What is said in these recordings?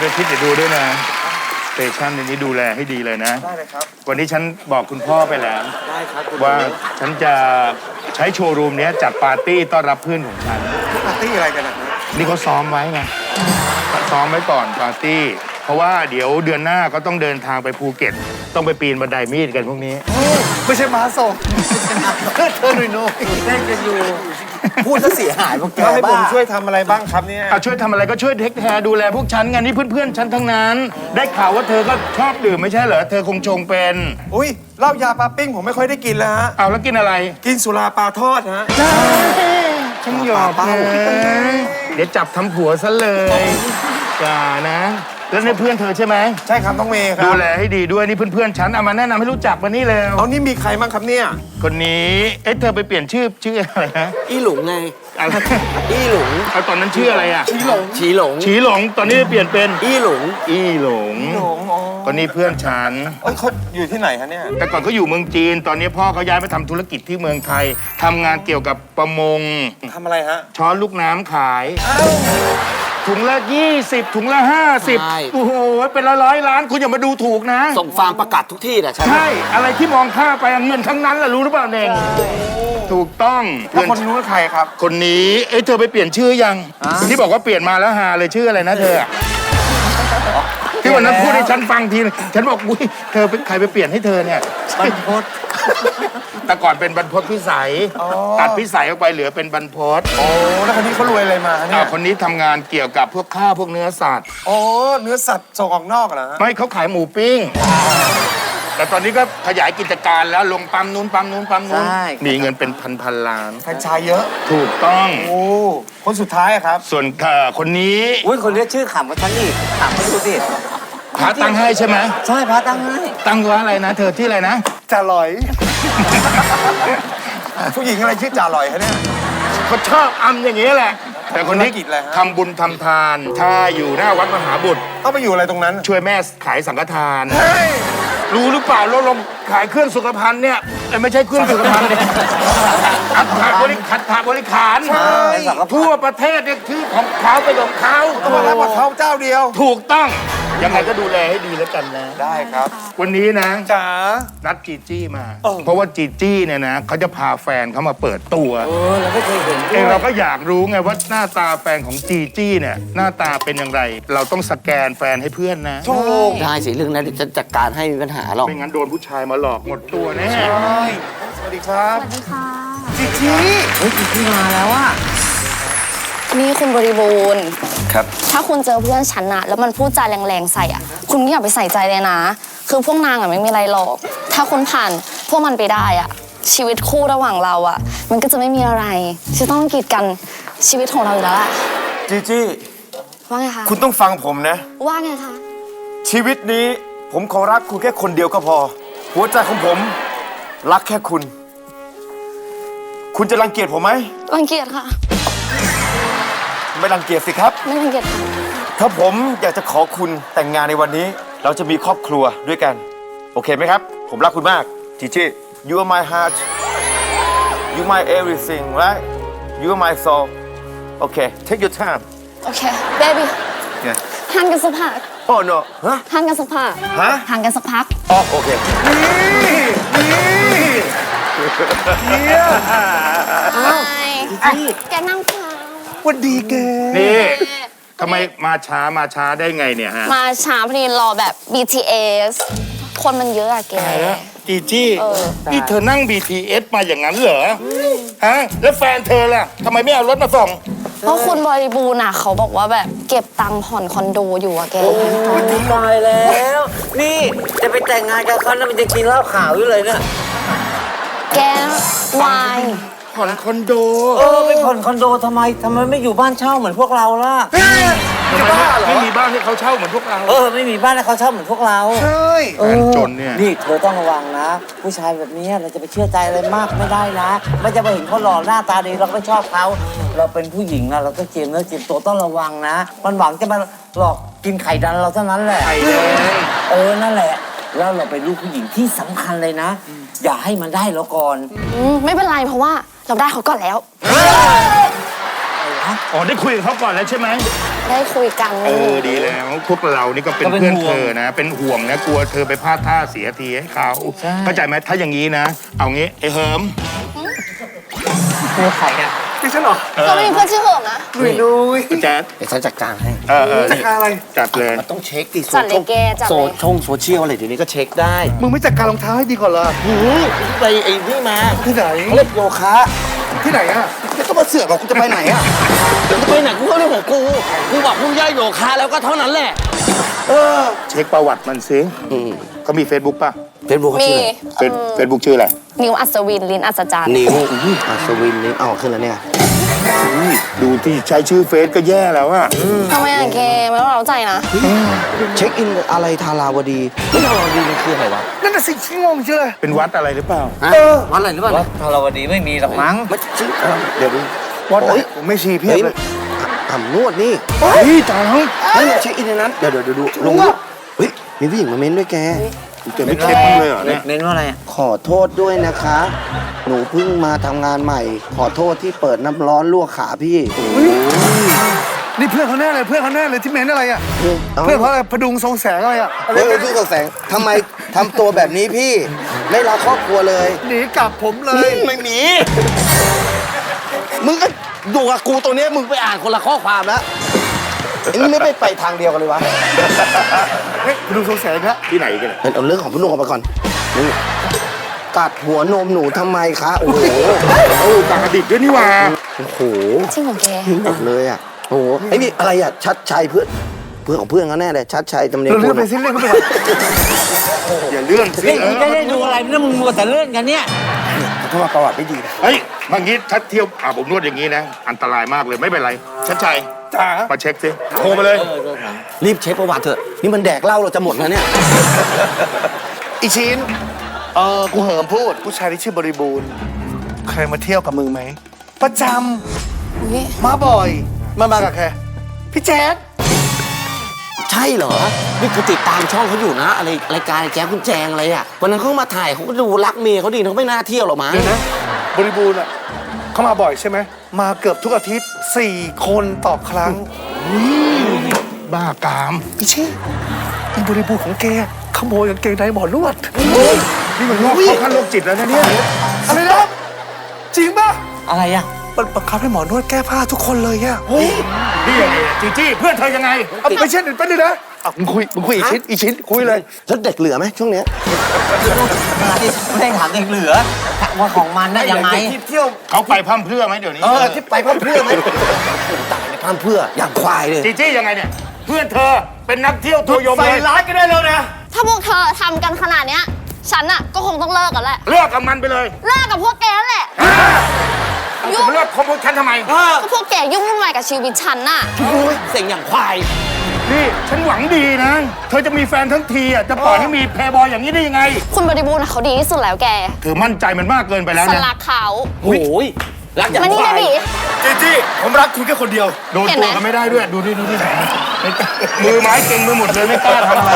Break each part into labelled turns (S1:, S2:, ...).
S1: ด้วยทิศเดี๋ยวดูด้วยนะสเตชันในนี้ดูแลให้ดีเลยนะ
S2: ได้เลยครับ
S1: วันนี้ฉันบอกคุณพ่อไปแล้ว
S2: ได้ครับ
S1: ว่าฉันจะใช้โชว์รูมนี้จัดปาร์ตี้ต้อนรับเพื่อนของฉัน
S2: ปาร์ตี้อะไรกันนะ
S1: นี่เขาซ้อมไว้ไงซ้อมไว้ก่อนปาร์ตี้เพราะว่าเดี๋ยวเดือนหน้าก็ต้องเดินทางไปภูเก็ตต้องไปปีนบันไดมีดกันพวกนี้
S2: ไม่ใช่ม้าส่งเธอหนุ่ยโน้เล่นกันอยู่พูดซะเสียหายพวกแกให้ผมช่วยทำอะไรบ้างครับเนี่ย
S1: ช่วยทำอะไรก็ช่วยเทคแคร์ดูแลพวกฉันไงนี่เพื่อนๆฉันทั้งนั้นได้ข่าวว่าเธอก็ชอบดื่มไม่ใช่เหรอเธอคงชงเป็น
S2: อุ้ยเหล้ายาปลาปิ้งผมไม่ค่อยได้กินแล้วฮะ
S1: เอาแล้วกินอะไร
S2: กินสุราปลาทอดฮะ
S1: ฉันหยอกนะเดี๋ยวจับทำผัวซะเลยจ้านะแล้วนี่เพื่อนเธอใช่ไหม
S2: ใช่ครับน้องเมย์ครับ
S1: ดูแลให้ดีด้วยนี่เพื่อนๆฉันเอามาแนะนำให้รู้จักมานี่แล้ว
S2: เอานี่มีใครบ้างครับเนี่ย
S1: คนนี้เธอไปเปลี่ยนชื่ออะไรฮะ
S3: อีหลงไง
S1: อะไร
S3: อีหลง
S1: เอาตอนนั้นชื่ออะไรอ่ะ
S3: ฉีหลงฉีหลง
S1: ฉีหลงตอนนี้เปลี่ยนเป็น
S3: อีหลง
S1: คนนี้เพื่อนฉัน
S2: เขาอยู่ที่ไหนคะเนี่ย
S1: แต่ก่อนเขาอยู่เมืองจีนตอนนี้พ่อเขาย้ายไปทำธุรกิจที่เมืองไทยทำงานเกี่ยวกับประมง
S2: ทำอะไรฮะ
S1: ช้อนลูกน้ำขายถุงละ20ถุงละ50โอ้โหเป็นร้อยล้านคุณอย่ามาดูถูกนะ
S3: ส่งฟาร์มประกาศทุกที่แหละ
S1: ใช่อะไรที่มองข้าไปเงินทั้งนั้นแหละรู้หรือเปล่าเน่งถูกต้อง
S2: แล้วคนนู้นใครครับ
S1: คนนี้เธอไปเปลี่ยนชื่อยังที่บอกว่าเปลี่ยนมาแล้วหาเลยชื่ออะไรนะเธอที่วันนั้นพูดให้ฉันฟังทีฉันบอกอุ้ยเธอเป็นใครไปเปลี่ยนให้เธอเนี่ย
S2: บรรพต
S1: แต่ก่อนเป็นบรรพตพิสัยตัดพิสัยออกไปเหลือเป็นบรรพต
S2: โอ้แล้วคนนี้เขารวยอะไรมาเนี่ย
S1: คนนี้ทำงานเกี่ยวกับพวกข้าวพวกเนื้อสัตว์
S2: โอ้เนื้อสัตว์ส่งออกนอกเหรอ
S1: ไม่เขาขายหมูปิ้งแต่ตอนนี้ก็ขยายกิจการแล้วลงปั๊มนู้นมีเงินเป็นพันล้าน
S2: แฟรนไชส์เยอะ
S1: ถูกต้อง
S2: โอ้คนสุดท้ายครับ
S1: ส่วนคนนี้
S3: อุ้ยคนนี้ชื่อขำกว่าฉันอีกถามเขาดูสิ
S1: พระตั้งให้ใช่ไหม
S3: ใช่พระตั้งให้
S1: ตั้งว่าอะไรนะเธอที่อะไรนะ
S2: จ่าลอยผู้หญิงอะไรชื่อจ่าลอยคะเนี่ย
S1: เขาชอบอำอย่างนี้แหละแต่คนนี้ทำบุญทำทานถ้าอยู่หน้าวัดมหาบุตร
S2: ต้องไปอยู่อะไรตรงนั้น
S1: ช่วยแม่ขายสังฆทานรู้หรือเปล่าเราลงขายเครื่องสุขภัณฑ์เนี่ยไม่ใช่เครื่องสุขภัณฑ์เนี่ยขัดบริขารทั่วประเทศเนี่ยคือของเขาไปของเขา
S2: ต้องมารับกับเขาเจ้าเดียว
S1: ถูกต้องยังไงก็ดูแลให้ดีแล้วกันนะ
S2: ได้ครับ
S1: วันนี้นะ
S2: จ๋า
S1: นัดจีจี้มาเพราะว่าจีจี้เนี่ยนะเขาจะพาแฟนเขามาเปิดตัว
S3: เราไม่เคยเห็น
S1: เราก็อยากรู้ไงว่าหน้าตาแฟนของจีจี้เนี่ยหน้าตาเป็นอย่างไรเราต้องสแกนแฟนให้เพื่อนนะ
S3: ได้สิเรื่องนั้นจะจัดการให้มีปัญหาหรอก
S1: ไม่งั้นโดนผู้ชายมาหลอกหมดตัวแน่
S2: สวัสดีครับ
S4: สวัสดีค่ะ
S2: จีจี้
S3: จีจี้มาแล้วอะ
S4: นี่คุณบริบูรณ์
S2: ครับ
S4: ถ้าคุณเจอเพื่อนฉันอะแล้วมันพูดจาแรงๆใส่อะคุณไม่อยากไปใส่ใจเลยนะคือพวกนางอะไม่มีอะไรหรอกถ้าคุณผ่านพวกมันไปได้อะชีวิตคู่ระหว่างเราอะมันก็จะไม่มีอะไรจะต้องกีดกันชีวิตของเราอยู่แล้วล่ะ
S2: จีจี้
S4: ว่าไงคะ
S2: คุณต้องฟังผมนะ
S4: ว่าไงคะ
S2: ชีวิตนี้ผมขอรักคุณแค่คนเดียวก็พอหัวใจของผมรักแค่คุณคุณจะรังเกียจผมไหม
S4: รังเกียจค่ะ
S2: ไม่รังเกียจสิครับ
S4: ไม่รังเกียจค่ะ
S2: ถ้าผมอยากจะขอคุณแต่งงานในวันนี้เราจะมีครอบครัวด้วยกันโอเคไหมครับผมรักคุณมากจีจี้ You are my heart You my everything right You are my soul Okay take your time
S4: Okay baby ห่างกันสักพัก
S2: Oh no ฮะ
S4: ห่างกันสักพักห่างกันสักพัก
S2: อ๋อโอเคนี่
S4: แกนั่งเปล่า
S2: วันดีแก
S1: นี่ทำไมมาช้าได้ไงเนี่ยฮะ
S4: มาช้าพอดีรอแบบ BTS คนมันเยอะอะแก
S1: จีจี้นี่เธอนั่ง BTS มาอย่างนั้นเหรอฮะแล้วแฟนเธอล่ะทำไมไม่เอารถมาส่ง
S4: เพราะคุณบริบูรณ์อะเขาบอกว่าแบบเก็บตังค์ผ่อนคอนโดอยู่อะแก
S3: ตายแล้วนี่จะไปแต่งงานกับเขาแล้วมันจะกินเหล้าขาวอยู่เลยเนี่ย
S4: แกวาย
S1: ผ่อนคอนโด
S3: ไปผ่อนคอนโดทำไมไม่อยู่บ้านเช่าเหมือนพวกเราล่ะ
S1: ไม่มีบ้านให้เขาเช่าเหมือนพวกเรา
S3: ไม่มีบ้านให้เขาเช่าเหมือนพวกเรา
S2: ใช่
S1: จนเนี่ย
S3: นี่เธอต้องระวังนะผู้ชายแบบนี้เราจะไปเชื่อใจอะไรมากไม่ได้นะไม่จะไปเห็นเขาหล่อหน้าตาดีเราไม่ชอบเขาเราเป็นผู้หญิงนะเราต้องเจียมเนื้อเจียมตัวต้องระวังนะมันหวังจะมาหลอกกินไข่ดันเราเท่านั้นแหละ
S1: ไข่แด
S3: งนั่นแหละแล้วเราเป็นลูกผู้หญิงที่สำคัญเลยนะอย่าให้มันได้เราก่อน
S4: ไม่เป็นไรเพราะว่าเราได้เขาก่อนแล้ว
S3: อะไรวะ
S1: อ๋อได้คุยกับเขาก่อนแล้วใช่ไหม
S4: ได้คุยกัน
S1: ดีแล้วพวกเรานี่ก็เป็นเพื่อนเธอนะ เป็นห่วงนะกลัวเธอไปพลาดท่าเสียทีให้เขาเข้าใจไหมถ้าอย่างนี้นะ เอางี้ไอ้เหิม
S3: ไม่ใครอ่ะ
S2: นี่ฉันเหรอ
S4: ก็ไม่มีเพื่อนชื่อเหิมนะ
S2: นุ้ย
S1: แจ๊ด
S5: เดี๋ยวฉันจัดการให้
S2: จัดการอะไร
S1: จัดเลย
S5: มันต้องเช็คดิ
S4: จัดเลยแกจัดเลย
S5: โซเชียลอะไรเดี๋ยวนี้ก็เช็คได้
S2: มึงไม่จัดการรองเท้าให้ดีก่อนเหรอ
S5: ไปไอ้นี่มา
S2: ที่ไหน
S5: เขาเล่นโยคะ
S2: ที่ไหนอ่ะ
S5: ไม่ต้องมาเสือกหรอกกูจะไปไหนอ่ะเดี๋ยวจะไปไหนกูก็เรื่องของกูกูบอกมึงย่าโยคะแล้วก็เท่านั้นแหละ
S1: เช็คประวัติมันสิเขามี Facebook ป่ะ
S5: เฟซบุ๊ก
S4: มี
S5: ชื่ออะไร
S1: Facebook ชื่ออะไร
S4: นิวอัศวินลินอัศจรรย์
S5: นิวอัศวินนี่เอาขึ้นแล้วเนี่ย
S1: ดูที่ใช้ชื่อเฟซก็แย่แล้วอะ
S4: ทำไมอะแกไม่ต้องเราใจนะ
S5: เช็คอินอะไรทาราวดีไม่ทาราวดีมันคืออะไรวะ
S2: นั่นน่ะสิชิงงเชื่อ
S1: เป็นวัดอะไรหรือเปล่า
S5: วันอะไรหรือเปล่า
S3: วัดธารวดีไม่มีหรอกมั้ง
S5: ไม่ชื่อเดี๋ยวดู
S2: วัดไหน
S5: โอ๊ย
S2: ผมไม่ชีเพียบ
S5: เฮ้ย
S2: เลย
S5: อ่ำนวดนี่
S1: เฮ้ยจ๋า
S5: เฮ้ยเช็คอินในนั้นเดี๋ยวดูลงเฮ้ยมีผู้หญิงมาเม้นด้วยแก
S1: แกไม่เช็คมั้างเลยเหรอเนี่ย
S3: เน้นว่าอะไรอ่ะ
S5: ขอโทษด้วยนะคะ หนูเพิ่งมาทำงานใหม่ ขอโทษที่เปิดน้ำร้อนลวกขาพี่
S2: นี่เพื่อนเขาแน่เลยเพื่อนเขาแน่เลยที่เม้นอะไรอ่ะ
S5: เอ้า
S2: เพื่อนเขาอะไรพดุงทรงแสงอะไรอ่ะอะไร
S5: เฮ้ยพี่กแสงทำไมทำตัวแบบนี้พี่ ไม่รักครอบครัวเลย
S2: หนีกลับผมเลย
S5: ไม่มี มึงก็ดูกับกูตัวเนี้ยมึงไปอ่านคนละข้อความแล้วเอ็งไม่ไปทางเดียวกันเลยวะ
S2: เฮ้ยพดุงทรงแสงนะ
S1: ที่ไหนกันเนี่ย
S5: เอาเรื่องของพี่นุ่งออกไปก่อนนี่กัดหัวนมหนูทำไมคะ โอ้โห
S1: เอ้าปากกระดิกด้วยนี่หว่า
S5: โอ้โห
S4: จริงเหรอแก
S5: ทิ้งหมดเลยอ่ะ โอ้โหไอ้นี่อะไรอ่ะ ชัดชัยเพื่อนของเพื่อนเขาแน่เลย ชัดชัยจำเนียง
S2: เรา
S5: คุ
S2: เลื่อน
S5: ณ
S2: ไปสิเลื่อนเข้าไปก่อน
S1: อย่าเลื่อนสิ
S3: นี่มึงจะได้ดูอะไรนี่มึงมัวแต่เล่นกันเนี่ย
S5: เขามาประวัติไม่ดีนะ
S1: เฮ้ยบางทีถ้าเที่ยวผมนวดอย่างนี้นะ อันตรายมากเลยไม่เป็นไรชัดชัย
S2: จ๋า
S1: มาเช็คสิโทรมาเลย
S5: รีบเช็คประวัติเถอะ นี่มันแดกเหล้าเราจะหมดแล้วเนี่ย
S2: อีชินกูเหิมพูดผู้ชายที่ชื่อบริบูรณ์เคยมาเที่ยวกับมึงไหมประจ
S4: อุ๊ย
S2: ำมาบ่อยมากับใครพี่แจ๊ด
S5: ใช่เหรอ นี่กูติดตามช่องเขาอยู่นะ อะไรรายการแจ๊คคุณแจงอะไรอ่ะ วันนั้นเขามาถ่ายเขาก็ดูรักเมียเขาดีเขาไม่น่าเที่ยวหรอกมั้ง
S2: เดี๋ยวนะบริบูรณ์อ่ะเขามาบ่อยใช่ไหมมาเกือบทุกอาทิตย์4 คนต่อครั้ง
S1: บ้ากาม
S2: พี่ชี่อีบริบูรณ์ของแกขโมยกางเกงในหมอนวด
S1: นี่มันโรคเข้าขั้นโรคจิตแล้วนะเนี่ย
S2: อะไรนะจริงป่ะ
S3: อะไรอ่ะ
S2: มันบังคับให้หมอนวดแก้ผ้าทุกคนเลยอ่ะ
S1: นี่ยังไงอะจีจี้เพื่อนเธอยังไง
S2: เอาไปเช่นอื่นไปเลยนะอ่ะมึงคุยอีชิ้นคุยเลย
S5: แล้วเด็กเหลือไหมช่วงเนี้ย
S3: ไม่ได้ถามเด็กเหลือว่าของมันน่ะยังไง
S2: ที่เที่ยว
S1: เขาไปพร่ำเพรื่อไหมเดี๋ยวนี้
S5: ที่ไปพั่มเพื่อไหมตายในพั่มเพื่ออย่างควายเลย
S1: จีจี้ยังไงเนี่ย เพื่อนเธอเป็นนักเที่ยวตัวยง
S2: ใส่
S1: เลย
S2: ร้ายกันได้แล้วนะ
S4: ถ้าพวกเธอทำกันขนาดเนี้ย ฉันอะก็คงต้องเลิกกันแหละ
S1: เลิกกับมันไปเลย
S4: เลิกกับพวกแกนั่นแหละ
S1: จะมาเลิกคบกับฉันทำไม
S4: ก็พวกแกยุ่งวุ่นวายกับชีวิตฉันน่ะ
S5: เสียงอย่างควาย
S1: นี่ฉันหวังดีนะ เธอจะมีแฟนทั้งทีอ่ะจะปล่อยให้มีแพรบอยอย่างนี้ได้ยังไง
S4: คุณบริบูรณ์อะเขาดีที่สุดแล้วแก
S1: เธอมั่นใจมันมากเกินไปแล้ว
S4: ฉัน
S1: นะ
S4: รักเขา
S5: โอ้ยรักอย่าง
S4: มานี่
S5: ควา
S4: เบ
S5: ย
S4: บี
S2: จีจี้ผมรักคุณแค่คนเดียว
S1: โดน
S4: เห็นไห
S1: ตั
S4: ม
S1: วกันไม่ได้ด้วย ดูดิไม่กล้ามือไม้เก่งไปหมดเลยไม่กล้าทำอะไร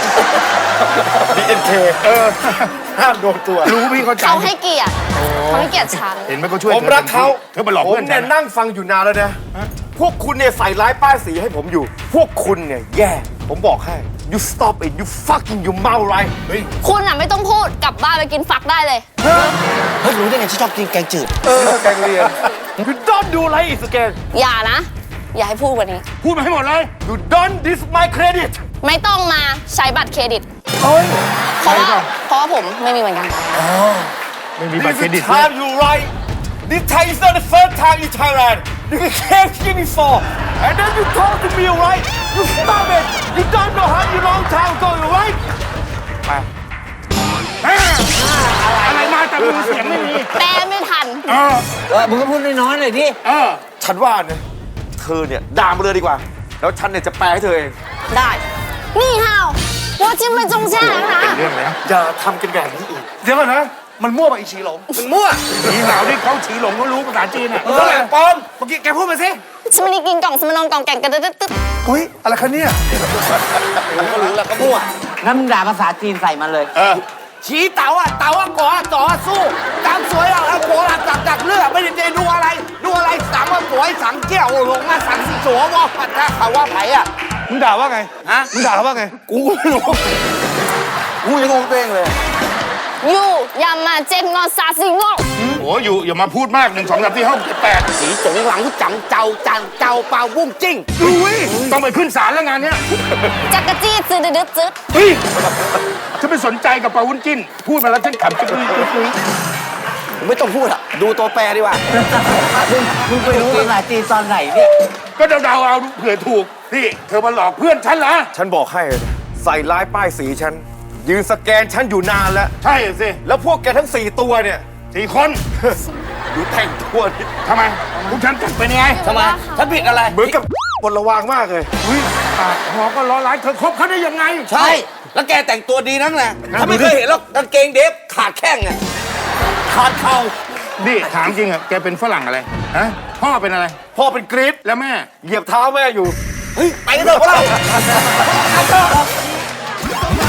S2: BNK ห้ามโดนตัว
S1: รู้พี่เข้าใจ
S4: เขาให้เกียรติเขาให้เกียรติฉัน
S1: เห็นไหมก็ช่วย
S2: ผมรักเขา
S1: เธอมาหลอก
S2: ผม
S1: เพื่อนฉั
S2: เนี่ย
S1: น
S2: นั่งฟังอยู่นานแล้วนะ พวกคุณเนี่ยใส่ร้ายป้ายสีให้ผมอยู่ พวกคุณเนี่ยแย่ ผมบอกให้ you stop it you fucking you mouth right
S4: คุณอะไม่ต้องพูดกลับบ้านไปกินฟักได้เลย
S5: เฮ้ยรู้ได้ไงที่ชอบกินแกงจืด
S2: แกงเรียน you don't do like it again
S4: อย่านะ อย่าให้พูดกว่านี้
S1: พูดมาให้หมดเลย
S2: you don't dis my credit
S4: ไม่ต้องมาใช้บัตรเครดิต
S2: เฮ้ย
S4: เพราะว่าผมไม่มีเหมือนกัน
S1: ไม่มีบัตร
S2: this
S1: เครดิต
S2: is time you right this time is not the first time in Thailand you came here before and then you talk to me right you stop it you don't know how you long time ago you right
S1: อะไรมาแต่มือเสียงไม่มี
S4: แปลไม่ทัน
S3: มึงก็พูดน้อยๆหน่อยดิ
S2: ฉันว่าเนี่ยเธอเนี่ยด่ามาเลยดีกว่า แล้วฉันเนี่ยจะแปลให้เธอเอง
S4: ได้ นี่ฮาวว่าจิ้มไปจงแช่แล้วนะ
S1: เรื่องแล้ว
S2: อย่าทำกันแบบนี้อีก เดี๋ยวก่อนนะ มันมั่วไปอีชีหลงมันมั่ว
S1: ผีหาวที่เขาฉีหลงเขารู้ภาษาจีนอ่ะ
S2: เท่าไหร่ปอมเมื่อกี้แกพูดมาสิ
S4: ฉันไม่ได้กินกล่องสมนองกล่องแก่งกระตึ๊ดตึ๊ด
S2: อุ้ยอะไรคะเนี่ย
S5: ก็รู้แล้วก็มั่ว
S3: งั้นมึงด่าภาษาจีนใส่มันเลย
S5: ชี้เต๋าอ่ะก่อต่อสู้ตามสวยอ่ะโกหลักจักเลือกไม่ได้ดูอะไรสั่งว่าสวยสั่งเกี้ยวลงมาสั่งสิโสวอปัดถ้าเขาว่าไผ่อ่ะ
S1: มึงด่าว่าไง
S5: ฮะ
S1: มึงด่าเขาว่าไง
S5: กูไม่รู้กูยังงงตัวเองเลย
S4: อยู่อย่ามาเจ็บงอซาสิงอ
S1: โอ้อยู่อย่ามาพูดมาก1 2 3 4 5 6 7 8
S5: สีจงหลังจังเจ้าเป่าบุ้งจิ้ง
S1: อุ้ยต้องไปขึ้นศาลแล้วงานเนี้ย
S4: จักรจี้จืดดืดจืด
S1: เฮ้ยฉันไม่สนใจกับปาวุ้นจิ้น พูดมาแล้วฉันขำจุ๊บจุ๊บ
S5: ไม่ต้องพูดอ่ะดูตัวแปรดีกว่า
S3: มึงไปรู้ภาษาจีนตอนไหนเนี่ย
S1: ก็เดาๆเอาเผื่อถูกนี่เธอมาหลอกเพื่อนฉันเหรอ
S2: ฉันบอกให้เลยนะใส่ร้ายป้ายสีฉัน ยืนสแกนฉันอยู่นานแล้ว
S1: ใช่สิ
S2: แล้วพวกแกทั้ง 4 ตัวเนี่ย
S1: 4 คน
S2: ดูแต่งตัวนี่
S1: ทำไมพวกฉันจัดเป็นยังไง
S5: ทำไมฉันผิดอะไร
S2: เหมือนกับปนระวางมากเลย
S1: อุ้ยปากหอก็ล้อร้ายเธอคบเขาได้ยังไง
S5: ใช่ แล้วแกแต่งตัวดีนักแหละถ้าไม่เคยเห็นหรอกกางเกงเดฟขาดแข้งอ่ะขาดเข่า
S1: นี่ถามจริงอะแกเป็นฝรั่งอะไรฮะพ่อเป็นอะไร
S2: พ่อเป็นกรีด
S1: แล้วแม่
S2: เหยียบเท้าแม่อยู่
S5: เฮ้ยไปกันเถอะพวกเรา